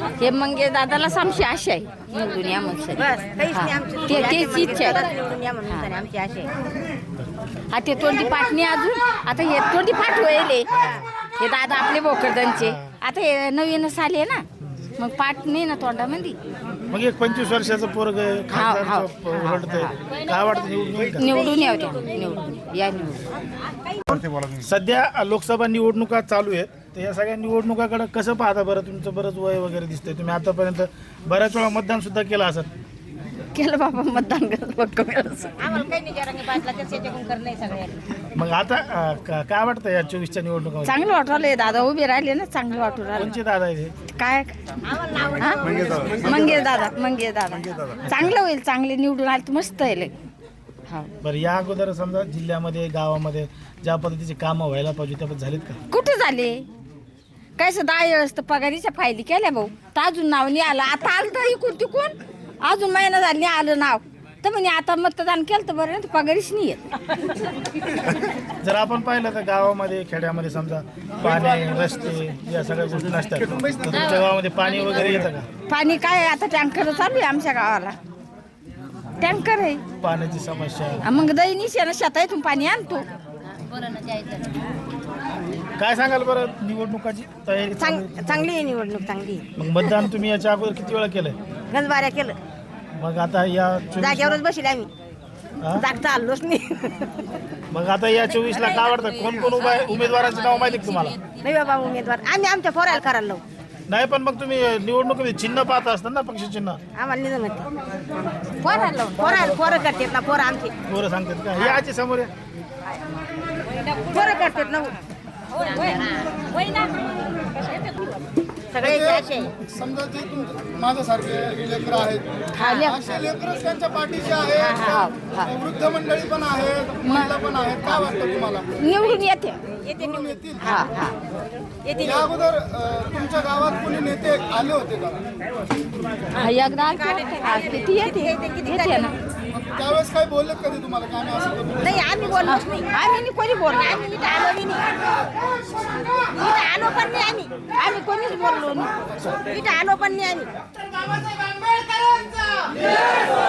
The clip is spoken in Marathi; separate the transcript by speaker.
Speaker 1: हे मंगे दादाला समशी आशा आहे निवडून या म्हणून तेच इच्छा आहे.
Speaker 2: आमची आशा आहे.
Speaker 1: हा ते तोंडी पाठ नाही अजून आता हे तोंडी पाठ होईल हे दादा आपले भोकरदनचे आता हे नवीनच आले ना मग पाठ नाही ना तोंडामध्ये.
Speaker 3: मग एक 25 वर्षाचं पोरग रडतंय काय वाटतं
Speaker 1: निवडून यावं त्या निवडून या निवडून.
Speaker 3: सध्या लोकसभा निवडणुका चालू आहेत तर या सगळ्या निवडणुकाकडे कसं पाहता बरं. तुमचं बरंच वय वगैरे दिसतंय तुम्ही आतापर्यंत बऱ्याच वेळा मतदान सुद्धा केलं असत.
Speaker 1: केलं बाबा मतदान
Speaker 2: आम्हाला काही नाही जरा बाजला त्याच्याकडून करणं सगळ्यांनी.
Speaker 3: मग आता काय वाटतं या 24च्या निवडणुका
Speaker 1: चांगलं वाटू राहिले दादा उभे राहिले ना चांगलं वाटू राहिले.
Speaker 3: कोणचे दादा आहे ते?
Speaker 1: काय मंगे दादा चांगलं होईल चांगले निवडून आले तर मस्त आहे लय. हा
Speaker 3: बरं या अगोदर समजा जिल्ह्यामध्ये गावामध्ये ज्या पद्धतीचे कामं व्हायला पाहिजे त्या पद्धती झालीत का?
Speaker 1: कुठे झाले काय 10 वेळेस तर पगारीच्या फायली केल्या भाऊ तर अजून नाव नाही आलं. आता आलं तर इकून तिकून अजून महिना झाला नाही आलं नाव तर म्हणजे आता मतदान केलं तर बरं ना पगारीच नाही येत.
Speaker 3: जर आपण पाहिलं तर गावामध्ये खेड्यामध्ये समजा पाणी रस्ते या सगळ्या गोष्टी नसतात तर तुमच्या गावामध्ये पाणी वगैरे येतं का?
Speaker 1: पाणी काय आता टँकर चालू आहे आमच्या गावाला टँकर आहे.
Speaker 3: पाण्याची समस्या
Speaker 1: मग दैनिक शेतातून पाणी आणतो.
Speaker 3: काय सांगाल बरं निवडणुकाची तयारी
Speaker 2: चांगली आहे निवडणूक चांगली आहे.
Speaker 3: मग मतदान तुम्ही याच्या अगोदर किती वेळा केलंय?
Speaker 2: गजबाऱ्या केलं
Speaker 3: मग आता या 24
Speaker 2: जागेवरच बसले आम्ही
Speaker 3: हा?
Speaker 2: जागता आलोच नाही.
Speaker 3: मग आता या 24 ला काय वाटतं कोण कोण उभा आहे उमेदवारांचे नाव माहिती का तुम्हाला?
Speaker 2: नाही बाबा उमेदवार आम्ही आमच्या पोरायला करायला लावू.
Speaker 3: नाही पण मग तुम्ही निवडणुकीमध्ये चिन्ह पाहत असतात ना पक्ष चिन्ह
Speaker 2: आम्हाला नाही जमत. पोरं करतात ना पोरं आमची
Speaker 3: पोरं सांगतात का? हे आजी समोर आहे.
Speaker 2: पोरं करतात ना सगळे असे
Speaker 4: समजा जे माझ्यासारखे लेकर आहेत असे लेकरच त्यांच्या पाठीचे आहेत. वृद्ध मंडळी पण आहेत महिला पण आहेत. काय वाटतं तुम्हाला
Speaker 1: निवडून येते
Speaker 4: निवडून येतील?
Speaker 1: हा हा
Speaker 4: या अगोदर तुमच्या गावात कोणी नेते आले होते का?
Speaker 1: एकदा किती येते ना
Speaker 4: मग त्यावेळेस काय बोलले कधी तुम्हाला की आम्ही असं करू?
Speaker 2: नाही आम्ही बोललोच नाही.
Speaker 1: आम्ही कोणी बोललो
Speaker 2: आम्ही इथं आलो बी नाही. इथं आलो पण नाही
Speaker 1: आम्ही कोणीच बोललो नाही.
Speaker 2: इथं आलो पण नाही आम्ही.